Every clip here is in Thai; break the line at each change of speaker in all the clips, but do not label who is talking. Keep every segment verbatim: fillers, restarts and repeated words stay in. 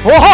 โอ้โห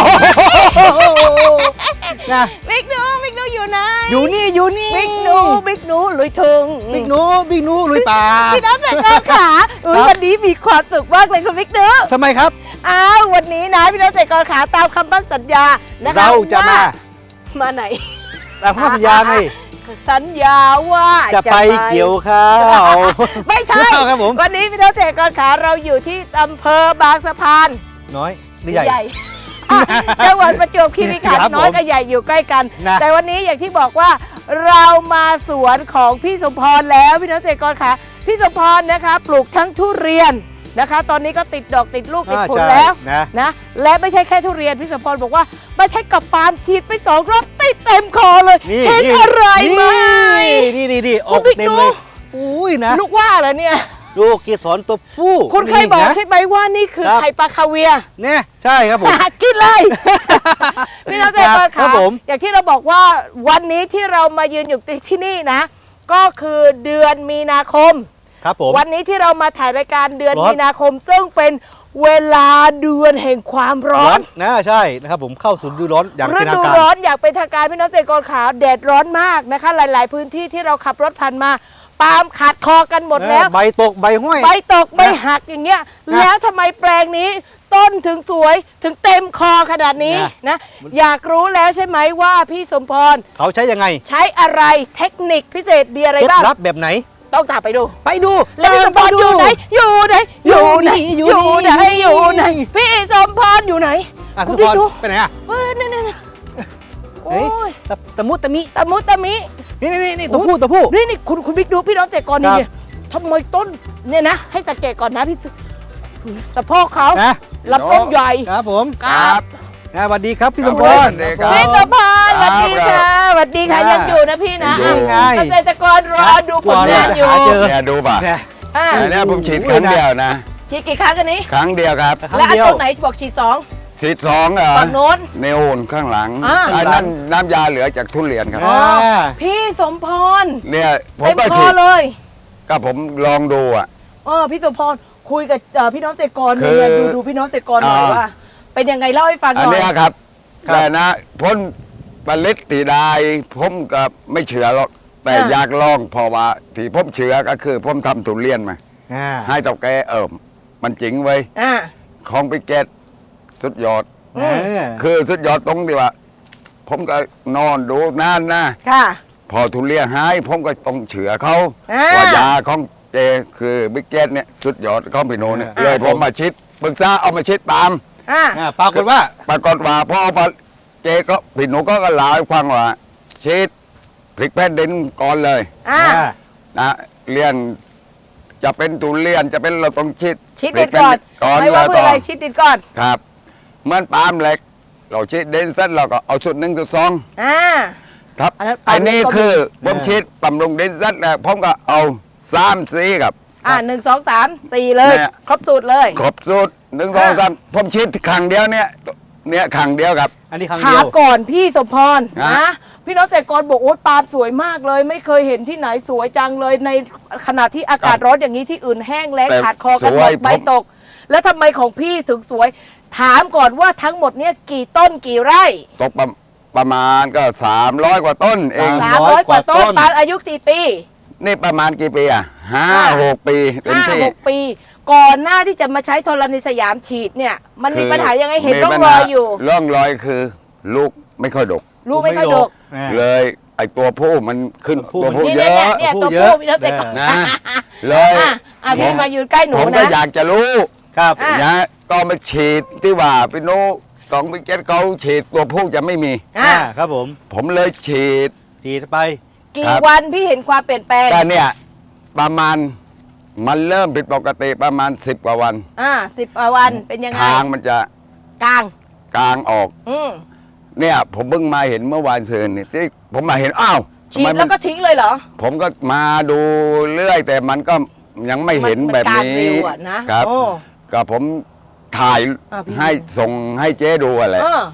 นะ
บิ๊กหนูบิ๊กหนูอยู่ไหน
อยู่นี่อยู่นี่
บิ๊กหนูบิ๊กหนูลุยถึง
บิ๊กหนูบิ๊กหนูลุยป่า
พี่น้องแต่ก็ขาวันนี้มีความสุขมากเลยคุณบิ๊กหนู
ทำไมครับ
อ้าววันนี้นะพี่น้องแต่ก็ขาตามคำมั่นสัญญานะคะ
เราจะมา
มาไหน
ตามคำมั่นสัญญาไง
สัญญาว่า
จะไปเกี่ยวข้าว
ไม่ใช่ครับผมวันนี้พี่น้องแต่ก็ขาเราอยู่ที่อำเภอบางสะพาน
น้อยหรือใหญ่
จังหวัดประจวบคีรีขันธ์น้อยกับใหญ่อยู่ใกล้กันแต่วันนี้อย่างที่บอกว่าเรามาสวนของพี่สมพรแล้วพี่น้องเกษตรกรค่ะพี่สมพรนะคะปลูกทั้งทุเรียนนะคะตอนนี้ก็ติดดอกติดลูกติดผลแล้วนะและไม่ใช่แค่ทุเรียนพี่สมพรบอกว่าไม่ใช่กับปาล์มฉีดไปสองรอบติดเต็มคอเลยเห็นอะไรไหม
นี่นี่นี่ออกเต็มเลยอุ้ยนะ
ลูกว่าเหรอเนี่ย
ดูเกสรตัวผู้
คุณเคยบอกใช่ไหมว่านี่คือไข่ปลาคาเวีย
เนี่ยใช่ครับผม
กินเลยพี่น้องเกษตรกรค่ะอย่างที่เราบอกว่าวันนี้ที่เรามายืนอยู่ที่นี่นะก็คือเดือนมีนาคม
ครับผม
วันนี้ที่เรามาถ่ายรายการเดือนมีนาคมซึ่งเป็นเวลาเดือนแห่งความร้อน
นะใช่นะครับผมเข้าสู่ฤดูร้อนอย่างเป็นทางการฤดู
ร้อนอยากเป็นทางการพี่น้องเกษตรกรขาแดดร้อนมากนะคะหลายๆพื้นที่ที่เราขับรถผ่านมาปาล์มขาดคอกันหมดแล้ว
ใบตกใบห้อย
ใบตกใบหักอย่างเงี้ยแล้วทำไมแปลงนี้ต้นถึงสวยถึงเต็มคอขนาดนี้นะอยากรู้แล้วใช่ไหมว่าพี่สมพร
เขาใช้ยังไง
ใช้อะไรเทคนิคพิเศษมีอะไรบ้าง
รับแบบไหน
ต้องตามไปดู
ไปดู
แล้วพี่สมพรอยู่ไหนอยู่ไหนอยู่ไหนอยู่ไหนอยู่ไหนพี่สมพรอยู่ไหน
คุณพี่ดูไปไหนอ่ะ
เออนั่นนั่นโอ้ย
ตะมุตะมิ
ตะมุตะมิ
นี่นี่นี่ตัวผู้ตัวผู้
นี่นี่คุณคุณบิ๊กดูพี่น้องเกษตรกรนี่เนี่ยทำไมต้นเนี่ยนะให้สังเกตก่อนนะพี่สะโพกเขาลำต้นใหญ่
ครับผมครับสวัสดีครับพี่สมพร
พี่สมพรสวัสดีค่ะสวัสดีค่ะยังอยู่นะพี่นะเกษตรกรรอดูผลงานอยู่
เนี่ยดูป่ะเนี่ยผมฉีดครั้งเดียวนะ
ฉีดกี่ครั้งกันนี้
ครั้งเดียวครับ
แล้วอันต้นไหนบอกฉีดสอง
ฉีดสองเหรอ
ฝั่งโน้น
เนโอนข้างหลังอันนั้นน้ำยาเหลือจากทุเรียนครับ
พี่สมพร
เนี่ยผมก็ฉีด
เลย
ก็ผมลองดูอ่ะ
เออพี่สมพรคุยกับพี่น้องเกษตรกรเนี่ยดูดูพี่น้องเกษตรกรหน่อยว่าเป็นยังไงเล่าให้ฟังหน่อย
อันนี้ครับแต่นะพ้นผลิตตีได้ผมก็ไม่เชื่อหรอกแต่อยากลองเพราะว่าที่ผมเชื่อก็คือผมทำทุเรียนมาให้เจ้าแกเอิมมันจริงไว้ของไปเกตสุดยอดคือสุดยอดตรงที่ว่าผมก็นอนดูนานนะพอทุเรียนหายผมก็ต้องเชื่อเขาว่ายาของเจคือบิ๊กเกตเนี่ยสุดยอดของพี่โนเนี่ยเลยผมมาชิดปรึกษาเอามาชิดปาล์ม
ปรากฏว่า
ปรากฏว่าพอเอาเจก็พี่หนูก็ก็เล่าให้ฟังว่าชิดพลิกแผ่นดินก่อนเลยนะเรียนจะเป็นทุเรียนจะเป็นเราต้องชิด
ชิดดินก่อนก่อนไม่ว่าเพื่ออะไรชิดดินก่อน
ครับเหมือนปาล์มเหล็กเราชิดดินเสร็จเราก็เอาชุดหนึ่งชุดสองอ่าครับอันนี้คือผมชิดบำรุงดินเสร็จแล้วผมก็เอาสามสีครับ
อ่าหนึ่งสองสามสี่เลยครบสูตรเลย
ครบสูตรหนึ่งสองสามผมชิดครั้งเดียวเนี่ยเนี่ยครั้งเดียวครับ
อันนี้ครั้งเดียว
ถามก่อนพี่สมพรนะพี่น้องเกษตรกรบอกโอ๊ยปาล์มสวยมากเลยไม่เคยเห็นที่ไหนสวยจังเลยในขณะที่อากาศร้อนอย่างนี้ที่อื่นแห้งแล้งขาดคอกันหมดใบตกแล้วทำไมของพี่ถึงสวยถามก่อนว่าทั้งหมดเนี่ยกี่ต้นกี่ไร่
ตกประมาณก็สามร้อยกว่าต้นเอง
สามร้อยกว่าต้นปาล์มอายุกี่ปี
นี่ประมาณกี่ปีอ่ะห้าหกปี
ห้าหกปีก่อนหน้าที่จะมาใช้ธรณีสยามฉีดเนี่ยมันมีปัญหายังไงเห็นร่องรอยอยู่
ร่องรอยคือลูกไม่ค่อยดก
ลูกไม่ค่อยดก
เลยไอตัวผู้มันขึ้นตัวผู้เยอะ
ตัวผู้พี่น้องเกษตรกร
นะเลย
พี่มายืนใกล้หนูนะ
ผมก็อยากจะรู้ครับนะก็มาฉีดที่ว่าพี่โน้สองพี่เกตเขาฉีดตัวผู้จะไม่มี
อ่าครับผม
ผมเลยฉีด
ฉีดไป
กี่วันพี่เห็นความเปลี่ยนแปลง
แต่เนี่ยประมาณมันเริ่มผิดปกติประมาณสิบกว่าวัน
อ่าสิบกว่าวันเป็นยังไง
ทางมันจะ
กลาง
กลางออกอืเนี่ยผมเพิ่งมาเห็นเมื่อวานเชิญนี่ที่ผมมาเห็นอ้าว
ฉีดแล้วก็ทิ้งเลยเหรอ
ผมก็มาดูเรื่อยแต่มันก็ยังไม่เห็นแบบนี้
นะครับ
ก็ผมถ่ายให้ส่งให้เจ๊ดูอะไร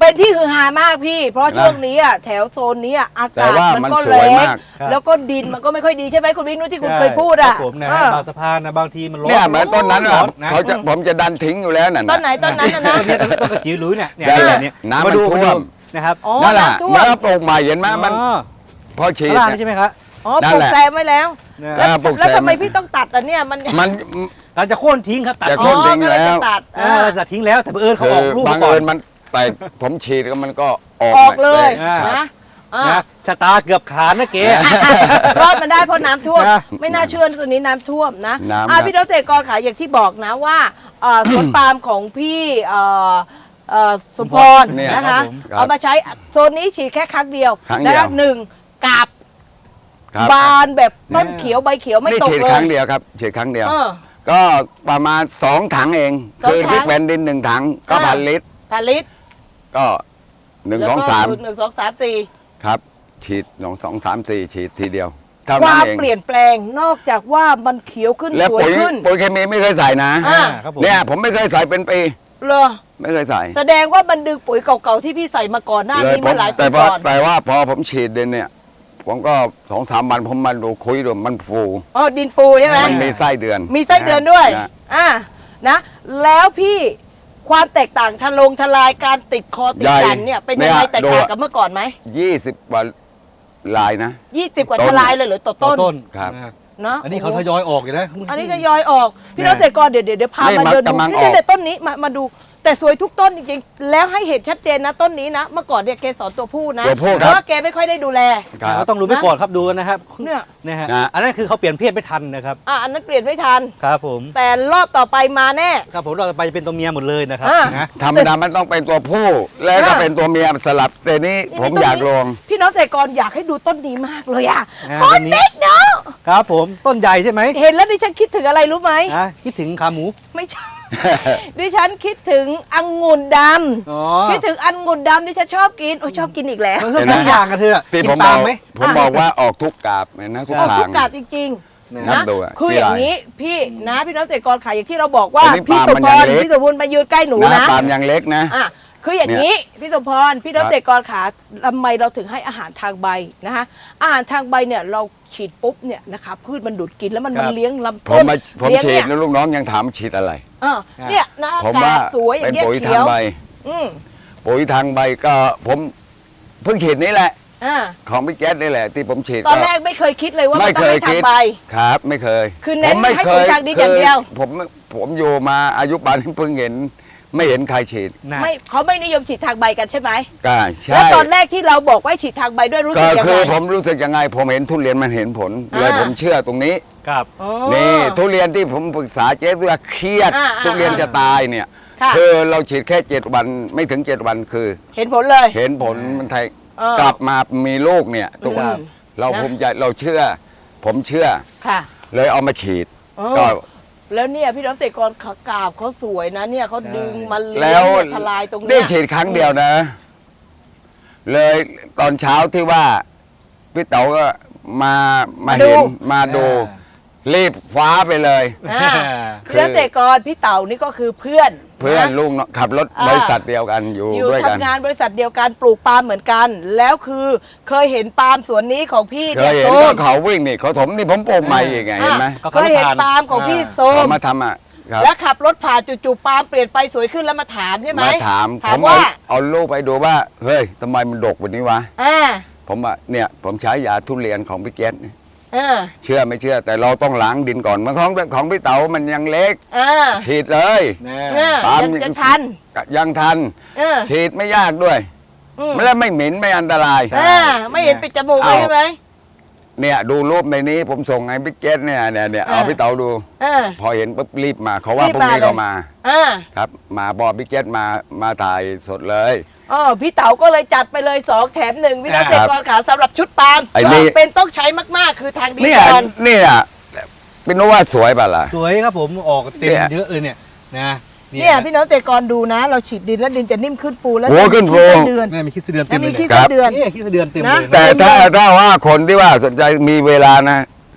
เป็นที่ฮือฮามากพี่ เพราะช่วงนี้อ่ะแถวโซนนี้อ่ะอากาศมันก็แรงแล้วก็ดินมันก็ไม่ค่อยดีใช่ไหมคุณวินุที่คุณเคยพูดอ่ะ
ผมนะบางสะพานนะบางทีมันร้อน
เนี่ยเหมือนต้นนั้น
ร้
อ่ะ
อนนะ
เขาจะผมจะดันทิ้งอยู่แล้วนั่น
ต้นไหนต้นนั้นนะนะ
ต้นนี้ต้นต้นกระจิ๋วหลุยเนี่ยเนี่ย
นั่นแหละ
เนี่ย
น้ำ
มาดู
มันท่วม
มาดูนะครับ
อ๋อ
นั่นแหละ
น้ำท่วม
แล้วปลูกใหม่เห็นไหมมัน
อ๋อ
พอฉีด
ข้างล่าง
เนี่ย
นี่ใช่ไหมครับ
อ๋อ
นั่
ปลู
น
ก
แหละ
แซมไว้แล้ว
เนี่ย
แล้ว
เออปลูก
แล้ว
แซม
ทำไมพี่ต้องตัดอ่ะเนี่ยมัน
มัน
เราจะโค่นทิ้งครับตัด
จะ
อ๋
โค่
อน
ทิ้ง
ก็เลย
แล้
จะ
ว
ตัด
เออเราจะทิ้งแล้วแต่บังเอิญเขา
คือ
ออกลูก
บาง
ก่อ
เอิ
น
ญมันแต่ผมฉีดแล้วมันก็ออก
ออกเลย
อ่าน
นะอ่า
นะชะตาเกือบขาดนะเก๋
รอดมาได้เพราะน้ำท่วม
นะ
ไม่น่าเชื่อตัวนี้น้ำท่วมนะ
น้ำ
อ่า
ครับ
พี่น้องเกษตรกรค่ะอย่างที่บอกนะว่าเอ่อสวนปาล์มของพี่เอ่อเอ่อสมพร
เนี่ย
นะคะ
ครับผมครับ
เอามาใช้โซนนี้ฉีดแค่ครั้งเดียว
ครั้งเดียว
นะคะหนึ่งกาบ
ครับ
บานแบบต้นเขียวใบเขียวไม่
นี่
ตก
ฉีด
เล
ค
ย
รั้งเดียวครับฉีดครั้งเดียว
เออ
ก็ประมาณสองถังเอง
สอง
คือ
ถัง
พริกแผ่นดินหนึ่งถังก็
อ่า
พันลิตร
พันลิตร
ก็หนึ่ง
แล้ว
สอง
ก็
สาม
หนึ่งสองสามสี่
ครับ ฉีดหนึ่งสองสามสี่ฉีดทีเดียวเท่า
ค
นั้น
วาม
เอง
เปลี่ยนแปลงนอกจากว่ามันเขียวขึ้น
แล้ว
สวย
ปุ๋ย
ขึ้น
ปุ๋ยเคมีไม่เคยใส่นะ
อ่า
ครับผม
เนี่ยผมไม่เคยใส่เป็นปี
เลย
ไม่เคยใส่
แสดงว่ามันดึงปุ๋ยเก่าๆที่พี่ใส่มาก่อนหน้า
เลย
นี้
ผ
เมื่
ม
อหลายปี
แต่พอ
ก่อน
แต่ว่าพอผมฉีดเดนเนี่ย ผมก็สองสามวันผมมาดูคุยดูมันฟู
อ๋อดินฟูใช่ไหม
มันมีไส้เดือน
มีไส้เดือนด้วย
นะ
อ่านะแล้วพี่ความแตกต่างทะลงทลายการติดคอติดกันเนี่ยเป็นยังไงแตกต่างกับเมื่อก่อนไหม
ยี่สิบกว่าลายนะ
ยี่สิบกว่า
ต้น
ทลายเลยเหรือต่อ
ต้
ต้
น
น
ต้น
ครับ
นะ
เนาะ
อันนี้เขาทยอยออกอยู่นะ
อันนี้จะยอยออกพี่น้องเกษตรกรเดี๋ยวเดี๋ยวเดี๋ยวพา
นี่
มา
มัน
เดินดู
กำลัง
นี่
ออก
เดี๋ยวต้นนี้มามาดู แต่สวยทุกต้นจริงๆ แล้วให้เห็นชัดเจนนะต้นนี้นะ เมื่อก่อนเนี่ยเกสรตัวผู้นะ
ตัวผู้
เพ
ครับ
ราะว่าแกไม่ค่อยได้ดูแล
ครั
เขา
บ
ต้องรู้ไปก่อนครับดูกันนะครับ
เนี่ย
นะฮะ
นะ
อันนั้นคือเขาเปลี่ยนเพศไม่ทันนะครับ
อ่ะอันนั้นเปลี่ยนไม่ทัน
ครับผม
แต่รอบต่อไปมาแน่
ครับผมเราจะไปจะเป็นตัวเมียหมดเลยนะครับ
อ่า
นะ
ธรรมดามันต้องเป็นตัวผู้ แล้วก็
อ่า
เป็นตัวเมียสลับแต่นี้
นี่
ผม
ต้น
อยาก
นี้
ลอง
พี่น้องเกษตรกรอยากให้ดูต้นนี้มากเลยอ่ะ
อ่า
ต้
ต้
น
นนี้
เล็กเนาะ
ครับผมต้นใหญ่ใช่ไหม
เห็นแล้วดิฉันคิดถึงอะไรรู้ไหม
อ่ะคิดถึงขาหมู
ไม่ใช่ ดิฉันคิดถึงองุ่นด
อ๋อ
ำคิดถึงองุ่นดำดิฉันชอบกินโอ้ยชอบกินอีกแล้ว
เออทุกอย่างกันเถอะ
ที่
กิ
ผม
น
บ
ปา
อก
ล์มไหม
ผมบอกว่าออกทุกกาบเลยนะทุก
ออก
ทา
ทุ
ง
กกาดจริงๆ
นั
นะ
บดูอะ
คือ
ที่
อย่าง
ไร
นี้พี่นะพี่น้องเกษตรกรขายอย่างที่เราบอกว่า
อันนี้
พี่
ปาล์
ส
ม
ม
มัน
พ
ยัง
ร
เล็ก
พี่สมบูรณ์มายืนใกล้หนู
นะ
นะ
ปาล์มยังเล็กนะ
อ่ะคืออย่างนี้พี่สมพรพี่น้องเกษตรกรขาทำไมเราถึงให้อาหารทางใบนะคะอาหารทางใบเนี่ยเราฉีดปุ๊บเนี่ยนะคะพืชมันดูดกินแล้วมัน
ครั
มัน
บ
เลี้ยงลำ
ผ
ต้
ม
น
มาผม
เลี้ยง
ฉี
เนี่
ด
ย
แล้วลูกน้องยังถามฉีดอะไร
เออเนี่ยนะ
ผม
อากา
ว่า
ศสวยอ
เป็
ย่าน งเงี้ย
ปุ๋ย
เขี
ทาง
ยว
ใบ
อืม
ปุ๋ยทางใบก็ผมเพิ่งฉีดนี้แหละ
อ่า
ของพี่แก๊สนี่แหละที่ผมฉีด
ตอนแรกไม่เคยคิดเลยว่ามัน
ไม่
ต้อ
เค
ง
ย
ให้ทา
คิ
ง
ด
ใบ
ครับไม่เคย
คือเน้น
ผมไม่
ให้
เค
ปุ๋ย
ย
ทางดินอย่างเดียว
ผมผมอยู่มาอายุป่านนี้เพิ่งเห็น ไม่เห็นใครฉีด
นะ
ไม่เขาไม่นิยมฉีดทางใบกันใช่ไหม
ก็ใช่
แล้วตอนแรกที่เราบอกว่าให้ฉีดทางใบด้วยรู้
ก็
สึกยัง
คื
ไง
อผมรู้สึกยังไง ผมเห็นทุเรียนมันเห็นผล
อ่า
เลยผมเชื่อตรงนี้
ครับ
อ๋อ
นี่ทุเรียนที่ผมปรึกษาเจ๊ว่าเครียด
อ่าอ่า
ทุเรียนจะตายเนี่ย
ค่ะ
คือเราฉีดแค่เจ็ดวันไม่ถึงเจ็ดวันคือ
เห็นผลเลย
เห็นผลมันไทย
เออก
ลับมามีลูกเนี่ยทุกวัน
อืม
เรา
นะ
ภูมิใจเราเชื่อ ผมเชื่อ
ค่ะ
เลยเอามาฉีด
อ๋อ
ก็
แล้วเนี่ยพี่น้องเกษตรกรขากาบเขาสวยนะเนี่ยเขาดึงมาเลี้
แล้
ยง
ว
เนี่ยทลายตรง
ได้
เนี้ย
ฉีดครั้งเดียวนะ เลยตอนเช้าที่ว่าพี่เต๋าก็มามาเห็นมาดู รีบฟ้าไปเลย
อ่าพี่น้องเกษตรกรพี่เต่านี่ก็คือเพื่อน
เพื่อนะ ลูกน้องขับรถ
อ่า
บริษัทเดียวกันอยู่
อยู่
ด้วยกัน
ทำงานบริษัทเดียวกันปลูกปาล์มเหมือนกัน แล้วคือเคยเห็นปาล์มสวนนี้ของพี่
เค
เนี่ย
ยเห็น
โซ
ก็
ม
เขาวิ่งนี่เขาถมนี่ผมปลูกใหม่อีกไงเห็นไหม
อ่ะเคยเห็นปาล์มของพี่โซม
เขามาทำอ่ะครับ
แล้วขับรถผ่านจู่ๆปาล์มเปลี่ยนไปสวยขึ้นแล้วมาถามใช่ไหม
มาถาม
ถา
ผม ม
ว่า
เอาเอาลูกไปดูว่า เฮ้ยทำไมมันดกแบบนี้วะ
อ่า
ผมว่าเนี่ย ผมใช้ยาทุเรียนของพี่เกศนี่
อ่า
เชื่อไม่เชื่อ แต่เราต้องล้างดินก่อนเมื่อของของพี่เต๋ามันยังเล็ก
อ่า
ฉีดเลย
แน่
อ่า
ปาล์ม
ยังจะทัน
ยังทัน
อ่า
ฉีดไม่ยากด้วย
อืม
ไม่ได้ไม่เหม็นไม่อันตราย
อ่าไม่เห็นปิดจมูกเลย
เอา
ใช่ไหม
เนี่ยดูรูปในนี้ผมส่งให้พี่เกศเนี่ยเนี่ยเนี่ยเอา
อ่า
พี่เต๋าดู
อ่า
พอเห็นปุ๊บรีบมาเขาว่า
รีบ
พรุ่งนี้
มาเลย
ก็มา
อ่า
ครับ มาบอกพี่เกศมามาถ่ายสดเลย
อ๋อพี่เต๋าก็เลยจัดไปเลยสองแถมหนึ่งพี่น้อง
ค
เก
รั
ษ
บ
ตรกรขาสำหรับชุดปาล์ม
ไอ้นี่
เป็นต้องใช้มากๆ คือทางดี
เนี่ย
ก่อน
เนี่ยเป็นว่าสวยป่ะล่ะ
สวยครับผมออกเต็ม
เนี่ย
เยอะเลยเนี่ยนะ
เนี่ยพี่น้องเกษตรกรดูนะ เราฉีดดินแล้วดินจะนิ่มขึ้นฟูแล้ว
โอ้ขึ้นฟู
มีไส้เดือน
นี่มีขี้เสเดือนเต็
แล้ว
มเล
มี
ย
ขี้
เนี่ย
ไส้เดือน
นี่ขี้เสเดือนเต็มเลย
นะ
นะ
แต่ถ้าถ้าว่าคนที่ว่าสนใจมีเวลานะ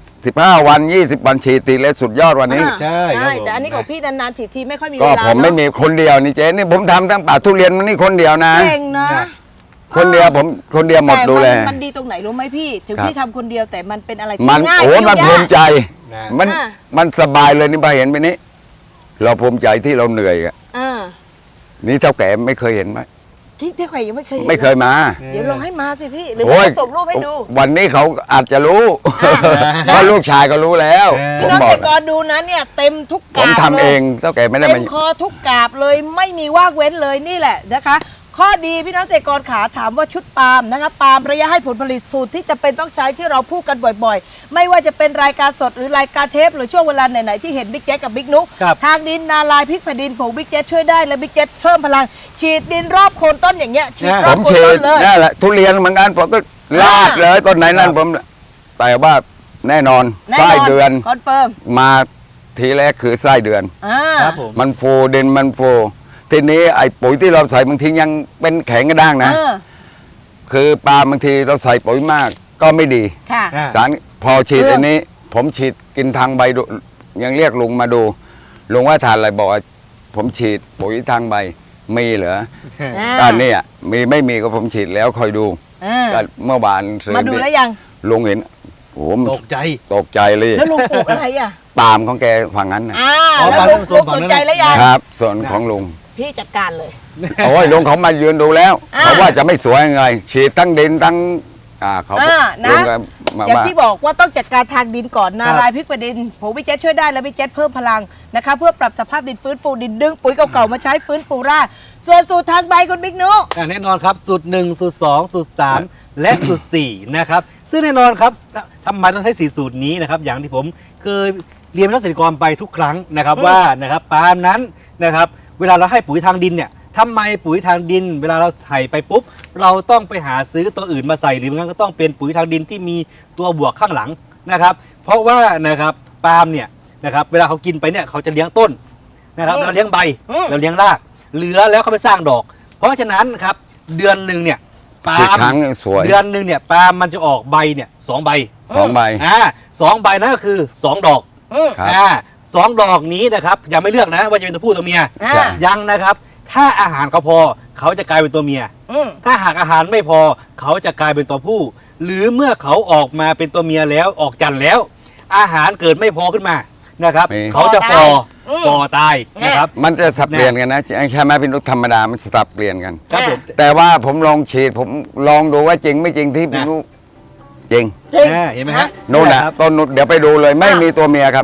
สิบห้าวันยี่สิบวันฉีดติดเลยสุดยอดวันนี้
อ่า
ใช่ครับผม
แต่อันนี้ของพี่นานๆฉีดทีไม่ค่อยมีเว
ก็
ลา
ผมไม่
เนอะ
มีคนเดียวนี่เจ๊นี่ผมทำทั้งป่าทุเรียนมันนี่คนเดียวนะ
เก่งนะ
คนเดียวผมคนเดียวหมด
แต่
ดูแล
นมันดีตรงไหนรู้ไหมพี่ ถึง
ครับ
พี่ทำคนเดียวแต่มันเป็นอะไรที่
มัน
ง่าย
โอ้
ยุ่ง
มัน
ยาก
ภูมิใจ
นะ
มัน
อ่า
มันสบายเลยนี่พอเห็นไปนี้ เราภูมิใจที่เราเหนื่อยอะ
อ่า
นี่เท่าแก่ไม่เคยเห็นไหม
ที่ที่ใครยังไม่เคยห็น
ไม่เคยมา
เดี๋ยวลองให้มาสิพี่หรือ
โอ้
ว่าย ส่งรูปให้ดู
วันนี้เขาอาจจะรู้
อ่า
เพราะลูกชายก็รู้แล้ว
เออ
ผ
พี่
ม
น้อง
บอ
เก
ก
ษตรกรดูนะเนี่ยเต็มทุก
ผ
กาม บ
ทำ
ลย
เองเท่าแก่ไม่ได้
เต็
มาม
คอทุกกาบเลยไม่มีว่างเว้นเลยนี่แหละนะคะ ข้อดีพี่น้องเกษตรกรขาถามว่าชุดปาล์มนะคะปาล์มระยะให้ผลผลิตสูตรที่จะเป็นต้องใช้ที่เราพูดกันบ่อยๆ ไม่ว่าจะเป็นรายการสดหรือรายการเทปหรือช่วงเวลาไหนๆที่เห็นบิ๊กแจ๊กกับบิ๊กนุ๊ก
ครับ
ทางดินนาลายพริกแผ่นดินผงบิ๊กแจ๊ช่วยได้และบิ๊กแจ๊เพิ่มพลัง ฉีดดินรอบโคนต้นอย่างเงี้ยฉีดร
ผ
อบ
ม
โคน
ฉี
ต้
ด
นเลย
นั่นแหละทุเรียนเหมือนกันผมก็ลาดเลยต้นไหนนั่น
ครับ
ผมแต่ว่าแน่นอน
แน่น
ไส้
อน
เดือน
คอนเฟิร์ม
มาทีแรกคือไส้เดือน
อ่า
ครับผม
มันฟูดินมันฟูทีนี้ไอ้ปุ๋ยที่เราใส่บางทียังเป็นแข็งกระด้างนะ
เออ
คือปลาบางทีเราใส่ปุ๋ยมากก็ไม่ดี
ค่ะ
อ่า
สารพอฉีด
เรื่อง
อันนี้ ผมฉีดกินทางใบดูยังเรียกลุงมาดูลุงว่าทานอะไรบอกว่าผมฉีดปุ๋ยทางใบมีเหรอ
อ่า
ก็เนี่ยมีไม่มีก็ผมฉีดแล้วคอยดู
อ่า
ก็เมื่อวานซื้อ
มาดูแล้วยัง
ลุงเห็นโอ้โหมัน
ตกใจ
ตกใจเลย
แล้วลุงปลูกอะไรอ่ะ
ปาล์มของแกฝั่งนั้นนะ
อ่า
อ๋อ
แล้วลุง
ปาล์ม
ลุงสนใจแล้วยัง
ครับ ส่วนของลุง
พี่จัดการเลย
โอ้ยลุงเขามายืนดูแล้ว
อ่า
เขาว่าจะไม่สวยยังไง ฉีดทั้งดินทั้งอ่าเขา
อ่านะ
ลุงก็มา
อย่าง
ว่า
ที่บอกว่าต้องจัดการทางดินก่อนนา
ครับ
ลายพริกแผ่นดินผงวิเจตช่วยได้และวิเจตเพิ่มพลังนะคะเพื่อปรับสภาพดินฟื้นฟูดินดึงปุ๋ยเก่าๆมาใช้ฟื้นฟูรากส่วนสูตรทางใบคุณบิ๊กนุ
อ่ะแน่นอนครับสูตรหนึ่งสูตรสองสูตรสามและสูตรสี่นะครับซึ่งแน่นอนครับทำไมต้องใช้สี่สูตรนี้นะครับอย่างที่ผมเคยเรียนเกษตรกรไปทุกครั้งนะครับว่านะครับปาล์มนั้นนะครับเวลาเราให้ปุ๋ยทางดินเนี่ยทำไมปุ๋ยทางดิน เวลาเราใส่ไปปุ๊บเราต้องไปหาซื้อตัวอื่นมาใส่หรือไม่งั้นก็ต้องเป็นปุ๋ยทางดินที่มีตัวบวกข้างหลังนะครับเพราะว่านะครับปาล์มเนี่ยนะครับเวลาเขากินไปเนี่ยเขาจะเลี้ยงต้นนะครับเราเลี้ยงใบเราเลี้ยงรากเหลือแล้วเขาไปสร้างดอก เพราะฉะนั้นครับเดือนหนึ่งเนี่ยปา
ฉีด
ล์ม
ครั้งสวย
เดือนหนึ่งเนี่ยปาล์มมันจะออกใบเนี่ยสองใบ
สองใบ
อ่าสองใบนั่นก็คือสองดอก
อืม
ครับ
อ่าสองดอกนี้นะครับยังไม่เลือกนะว่าจะเป็นตัวผู้ตัวเมีย
อ่า
ใช่
ยังนะครับ ถ้าอาหารเขาพอเขาจะกลายเป็นตัวเมีย
อืม
ถ้าหากอาหารไม่พอเขาจะกลายเป็นตัวผู้ หรือเมื่อเขาออกมาเป็นตัวเมียแล้วออกจันทร์แล้ว อาหารเกิดไม่พอขึ้นมานะครับ
มี
เขาจะฟอ
อืม
ฟอตายนะครับ
มันจะสับเปลี่ยนกันนะใช่ไหมพี่นุชธรรมดามันสับเปลี่ยนกัน
ครับผม
แต่ว่าผมลองฉีดผมลองดูว่าจริงไม่จริงที่พี่
นะ
นุชจริง
จริง
อ่าเห็นไหมฮะ
นู่น
แห
นะ
ครับ
ต้นนุชเดี๋ยวไปดูเลยไม่
อ่ะ
มีตัวเมียครับ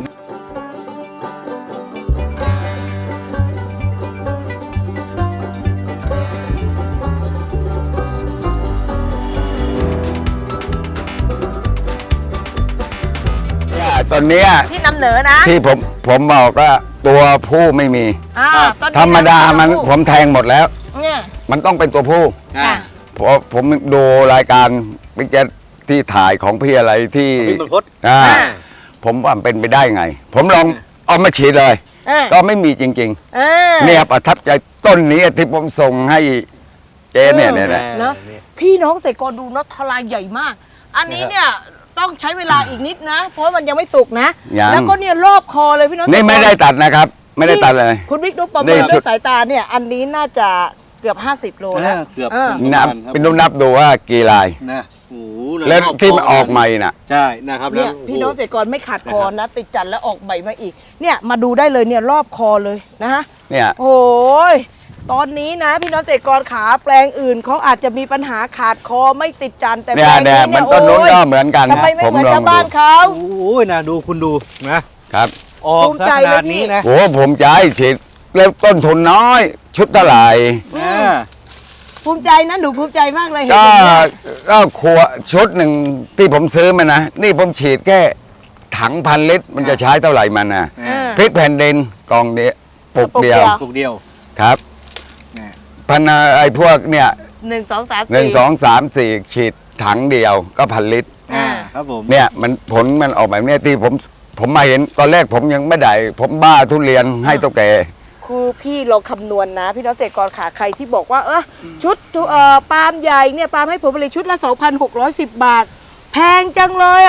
ตอนเนี้ย
ที่นำเหนอนะ
ที่ผมผมบอกว่าตัวผู้ไม่มี
อ่าต้นนี้
ธรรมดามัน
ำเหอ
ผมแทงหมดแล้ว
เนี่ย
มันต้องเป็นตัวผู้
อ่า
เพราะผมดูรายการบิ๊กแจ๊ที่ถ่ายของพี่อะไรที่
พี่บรรพต
อ่า
อ่า
ผมว่ามันเป็นไปได้ไง ผมลองเอามาฉีดเลย
อ่า
ก็ไม่มีจริง
อ่า
ๆ เนี่ยประทับใจต้นนี้ที่ผมส่งให้เจเนี่ยเนี่ยนะ
เนอะพี่น้องเกษตรกรดูนะทลายใหญ่มาก อันนี้เนี่ยต้องใช้เวลาอีกนิดนะ เพราะมันยังไม่สุกนะ
ยัง
แล้วก็เนี่ยรอบคอเลยพี่น้อง
นี่ไม่ได้ตัดนะครับ ไม่ได้ตัดเลย
คุณบิ๊กนุ๊กประ
นี่
เมิน
ชุ
ด้ว
ด
ยสายตาเนี่ย อันนี้น่าจะเกือบ ห้าสิบ โลแล้ว
เกือบ
เออ
นับเป็นนุ่นับดูว่ากี่ลาย
นะโอ้โห
แล้วที่มันออกใหม่น่ะ
ใช่นะครับ
เนี่ย
แล้ว
พี่น้องเกษตรกรไม่ขาดคอ
นะครับ
นะ ติดจันทร์แล้วออกใบมาอีก เนี่ยมาดูได้เลยเนี่ยรอบคอเลยนะฮะ
เนี่ย
โอ้ยตอนนี้นะ พี่น้องเกษตรกรขาแปลงอื่นเขาอาจจะมีปัญหาขาดคอไม่ติดจันทร์แต่แป
เนี่
ล
ย
ง
เนี่
นี้
ยมั
เนี่
น
ย
ต้นนู้น
โอ้ย
ก็เหมือนกัน
ทำ
นะ
ไมไม่
ผม
เหมือน
ลอง
ชาว
ดู
บ้านเขา
โอ้ยนะดูคุณดูนะครับ ออก
ภูมิ
ซะ
ใจ
ขนาด
เลยพี่
นี้นะ
โอ้ผมใจฉีดแล้วต้นทุนน้อย ชุดเท่าไหร่
อ่า
ภูมิใจนะหนูภูมิใจมากเลยเห็น
ก็
อย่างเงี้ย
ก็ขวดชุดหนึ่งที่ผมซื้อมานะ นี่ผมฉีดแค่ถังพันลิตร มันจะใช้เท่าไหร่มันนะ
อ่า
พริกแผ่นดินกองเดียวปุก
ปุกเดี
เดี
ย
ยว ว
ปลูกเดียว
ครับ
นะ
พันไอ้พวกเนี่ย
หนึ่งสองสาม
หนึ่ง
สี่
สองสามสี่ฉีดถังเดียวก็พันลิตร
อ่า
ครับผม
เนี่ยมันผลมันออกแบบเนี้ยที่ผมผมมาเห็นตอนแรกผมยังไม่ได้ ผมบ้าทุเรียนให้ตัวแก
คือพี่เราคำนวณนะ พี่น้องเกษตรกรขาใครที่บอกว่าเออชุดเอ่อปาล์มใหญ่เนี่ยปาล์มให้ผลผลิตชุดละ สองพันหกร้อยสิบ บาท แพงจังเลยอ่ะ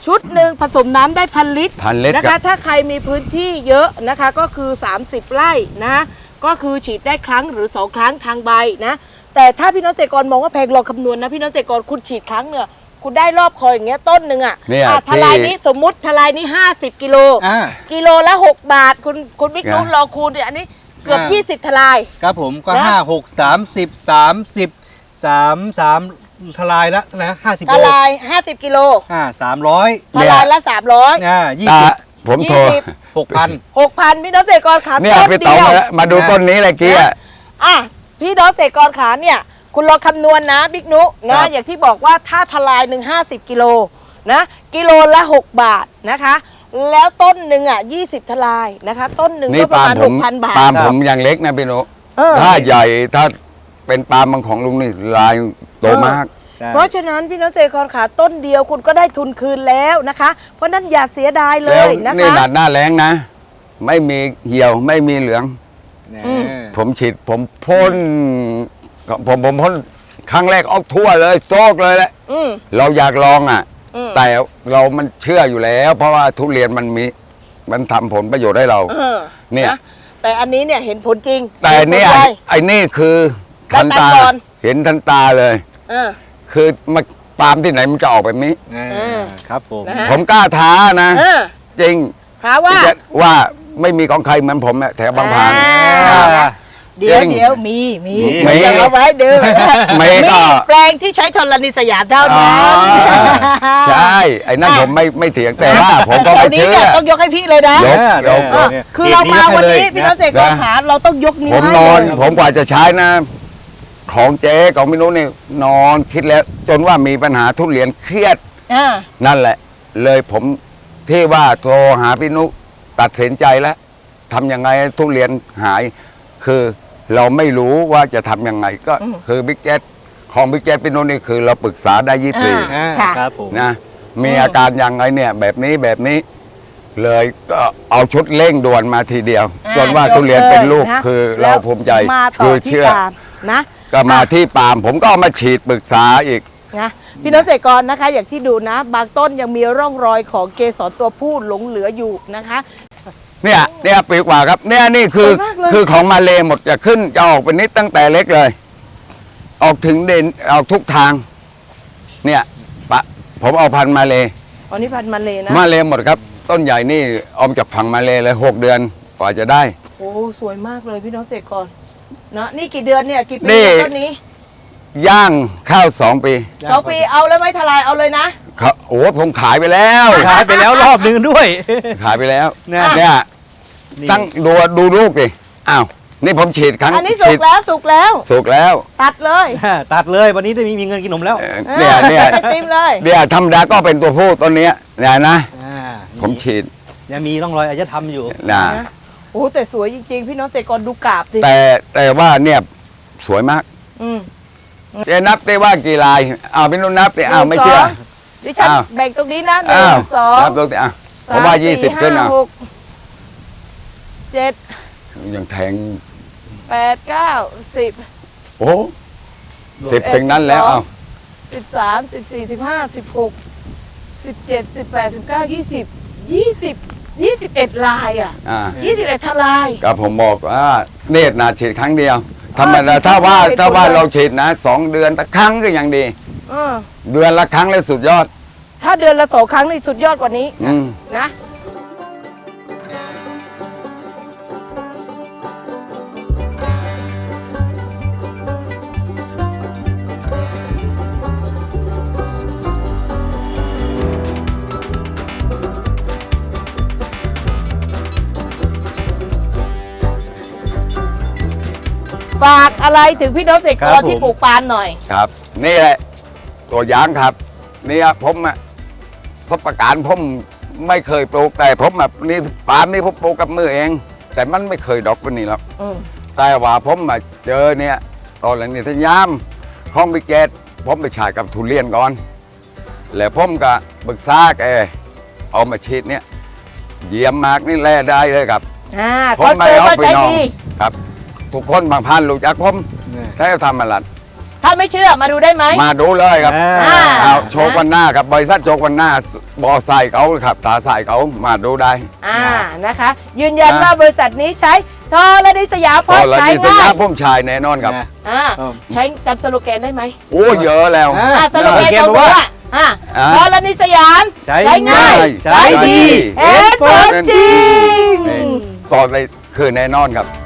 ชุดหนึ่งผสมน้ำได้พันลิตร
พันลิตร
นะ
ครั
คะ
บ
ถ้าใครมีพื้นที่เยอะนะคะก็คือ สามสิบ ไร่นะก็คือฉีดได้ครั้งหรือสองครั้งทางใบนะแต่ถ้าพี่น้องเกษตรกรมองว่าแพงลองคำนวณนะพี่น้องเกษตรกรคุณฉีดครั้งเนี่ยคุณได้รอบคอยอย่างเงี้ยต้นหนึ่งอ่ะ
เนี่ย
อ่ะทลาย
ที่
นี้สมมุติทลายนี้ห้าสิบกิโล
อ่า
กิโลละหกบาทคุณคุณบิ๊กนุ๊ก
ไง
ลองคูณดิอันนี้เกือบ
อ่า
ยี่สิบทลาย
ครับผมก็
นะ
ห้าหกสามสิบสามสิบสามสามทลายละนะห้าสิบ
ท
โล
ลายห้าสิบกิโล
อ่าสามร้อย
ทลายละสามร้อย
อ่ายี่
ตา
สิบ
ผมโทร
ยี่สิบ
หกพัน
หกพันพี่น้องเกษตรกรขา
เนี่ย
ต้น
พี่
เดี
ต๋อง
ยว
มามาดูต้นนี้เลยกี้อ่ะ
อ่ะพี่น้องเกษตรกรขาเนี่ยคุณลองคำนวณนะบิ๊กนุ
ครั
นะ
บ
อย่างที่บอกว่าถ้าทลายหนึ่งห้าสิบกิโลนะกิโลละหกบาทนะคะ แล้วต้นหนึ่งอ่ะยี่สิบทลายนะคะ ต้นหนึ่ง
นี่
ก็ประ
ปาล์
มาณ
มผ
ห
ม
กพันบาท
ปาล์ม
ครับ
ผมยังเล็กนะพี่นุ
เออ
ถ้าใหญ่ถ้าเป็นปาล์มบางของลุงนี่ลายโตมาก
เพราะฉะนั้นพี่น้องเกษตรกรขาต้นเดียวคุณก็ได้ทุนคืนแล้วนะคะ เพราะนั้นอย่าเสียดายเล
แล้ว
ยนะ
นี่
คะ
หนาดหน้าแรงนะ ไม่มีเหี่ยวไม่มีเหลือง
อืม
ผมฉีดผมพ่นผมผมพ่นครั้งแรกออกทั่วเลยโซกเลยแหละ
อืม
เราอยากลองอ่ะ
อืม
แต่เรามันเชื่ออยู่แล้ว เพราะว่าทุเรียนมันมีมันทำผลประโยชน์ให้เรา
เออ
เนี่ย
ะแต่อันนี้เนี่ยเห็นผลจริง
แต่เนี่ย
ห็ผลได้
ไอ้นี่คือทันตา
ตัดก่อน
เห็นทันตาเลย
เออ
คือมาปาล์มที่ไหนมันจะออกแบบนี้
อ่า
เออ
ครับผม
นะฮะ
ผมกล้าท้านะ
เออ
จริง
ถามว่า
ที่จะว่าไม่มีของใครเหมือนผมอะแถวบางพาน
อ่า
อ่า
เดี๋ยว
จริง
เดี๋ยวมีมี
มี
เดี๋ยวเอาไว้ดู
มีก็
แปลงที่ใช้ธรณีสยามเท่า
อ๋อ
นั้น
ใช่ไอ้นั่นผมไม่ไม่เถียงแต่ว่าผมก็
แถ
ไม่
วนี้
เชื่อ
เนี่ยต้องยกให้พี่เลยนะ
ยก
เออ
เออ
เนี่ย
คือเรามาวันนี้
เห็
พี่
น
น้
นี้
องเกษตรกรขาเราต้องยกนิ้ว
ผม
ให้
นอน
เลย
ผมกว่าจะใช้นะ ของเจ๊ของพี่นุ้นี่นอนคิดแล้ว จนว่ามีปัญหาทุเรียนเครียด
อ่า
นั่นแหละ เลยผมที่ว่าโทรหาพี่นุตัดสินใจแล้วทำยังไงให้ทุเรียนหาย คือเราไม่รู้ว่าจะทำยังไงก็คือบิ๊กแจ๊ของบิ๊กแจ๊พี่นุนี่คือเราปรึกษาได้ยี่สิบสี่
อ่า
ค่ะ
ครับผม
นะมีอาการยังไงเนี่ย แบบนี้แบบนี้ เลยก็เอาชุดเร่งด่วนมาทีเดียว
อ่า
จนว่าทุเรียนเป็นลูก
ยะ
คือ
แล้
เรา
ว
ภูมิใจ
มาต่
คือ
ที่
เชื่อ
ปาล์มนะ
ก็มาที่ปาล์มผมก็เอามาฉีดปรึกษาอีก
นะพี่น้องเกษตรกรนะคะ อย่างที่ดูนะ บางต้นยังมีร่องรอยของเกสรตัวผู้หลงเหลืออยู่นะคะ
เนี่ยเนี่ยปีกว่าครับ เนี่ยนี่คือ
สวยมากเลย
คือของมาเลหมดจะขึ้นจะออกเป็นนิดตั้งแต่เล็กเลย ออกถึงเด่นออกทุกทาง เนี่ยปะผมเอาพันธุ์มาเล
อันนี้พันธุ์มาเลยนะ
มาเลหมดครับ ต้นใหญ่นี่เอามาจากฝั่งมาเลเลยหกเดือนกว่าจะได้
โอ้สวยมากเลยพี่น้องเกษตรกรนะนี่กี่เดือนเนี่ยกี่ปี
นี่
แล้วต้นนี้
ย่างข้าวสองปี
สองปีเอาแล้วไหม่ทลายเอาเลยนะ
เขาโอ้ผมขายไปแล้ว
ขายไปแล้วรอบหนึ่งด้วย
ขายไปแล้ว
เนี่ย
เนี่ย
นี่
ตั้งดูดูลูกดิอ้าวนี่ผมฉีดครั้ง
อันนี้สุ
ฉี
ก
ด
แล้วสุกแล้ว
สุกแล้ว
ตัดเลย
ตัดเลยวันนี้จะมีมีเงินกินนมแล้ว
เอ่อเนี่ยเนี่ย
ไอติมเลย
เนี่ยธรรมดาก็เป็นตัวผู้ต้นเนี้ยเนี่ยนะ
อ่า
ผมฉีด
ยังมีร่องรอยอารยธรรมอยู่
นะ
นะโอ้แต่สวยจริงๆ พี่น้องเกษตรกรดูกาบสิ
แต่แต่ว่าเนี่ยสวยมาก
อืม
เจะนับได้ว่ากี่ลายอ้าวพี่นุ่นนับดิอ้าวไม่เชื่อ
หนึ่งสงดิฉัน
อ้าว
แบ่งตรงนี้นะหนึ่
อ้าว
งสอง
นับดูสิอ่ะ
ส
ผมว่ายี่สิบขึ้น
ห้า
อ่ะ
หกเจ็ด
ยังแทง
แปดเก้าสิบ
โอ้สิบถึงนั้นแล้วอ้าว
สิบสามสิบสี่สิบห้าสิบหกสิบเจ็ดสิบแปดสิบเก้ายี่สิบยี่สิบยี่สิบเอ็ดลายอ่ะ
อ่า
ยี่สิบเอ็ดทลาย
ก็ผมบอกว่าเนตรนาฉีดครั้งเดียวธรรมดา
ฉีด
ถ้าว่า
ครั้งเดียว
ถ้าว่า
ไปเลย
เราฉีดนะสองเดือนละครั้งก็ยังดี
เออ
เดือนละครั้งเลยสุดยอด
ถ้าเดือนละสองครั้งนี่สุดยอดกว่านี้
อืม
นะ ฝากอะไรถึงพี่น้องเกษตรกรที่ปลูกปาล์มหน่อย
ครับ นี่แหละตัวอย่างครับเนี่ยผมอะสปการผมไม่เคยปลูกแต่ผมแบบนี่ปาล์มนี่ผมปลูกกับมือเอง แต่มันไม่เคยดอกวันนี้หรอก
อืม
แต่ว่าผมมาเจอเนี่ยตอนหลังนี่ทยามของบิเกตผมไปฉายกับทุเรียนก่อน แล้วผมก็ปรึกษาแกเอามาฉีดเนี่ยเยี่ยมมากนี่แล่ได้เลยครับ
อ่า
ผ
ค
ม
อน
ไม่
เฟิร์ม
เอา
ว่า
ไป
ใช้
นอง
ดี
ครับ ทุกคนบางพันรู้จักผม
เนี่ย
ใช้ทำมาลัด
ถ้าไม่เชื่อมาดูได้ไหม
มาดูเลยครับ
อ่า
เอาโชควันหน้าครับบริษัทโชควันหน้าบอใส่เขาครับตาใส่เขามาดูได้
อ่านะคะ ยืนยันว่าบริษัทนี้ใช้โทรนิสยามเพ
ตอ
ราะ
นละ
ใช้
ที่สัญ
ง่า
ญาย ผมชายแน่นอนครับ
นะ
อ่า
ครับ
ใช้จำสโลแกนได้ไหม
โอ้เยอะแล้ว
อ่า
อ่าสโลแกน
สโลแกน
ของ
บอก
ผม
ว่า
อ่ะอ่า
อ่า
โทรนิสยาม
ใช้
ง่าย
ใช้ดี
เห็นผลจริง
นี่ตอนเลยคือแน่นอนครับ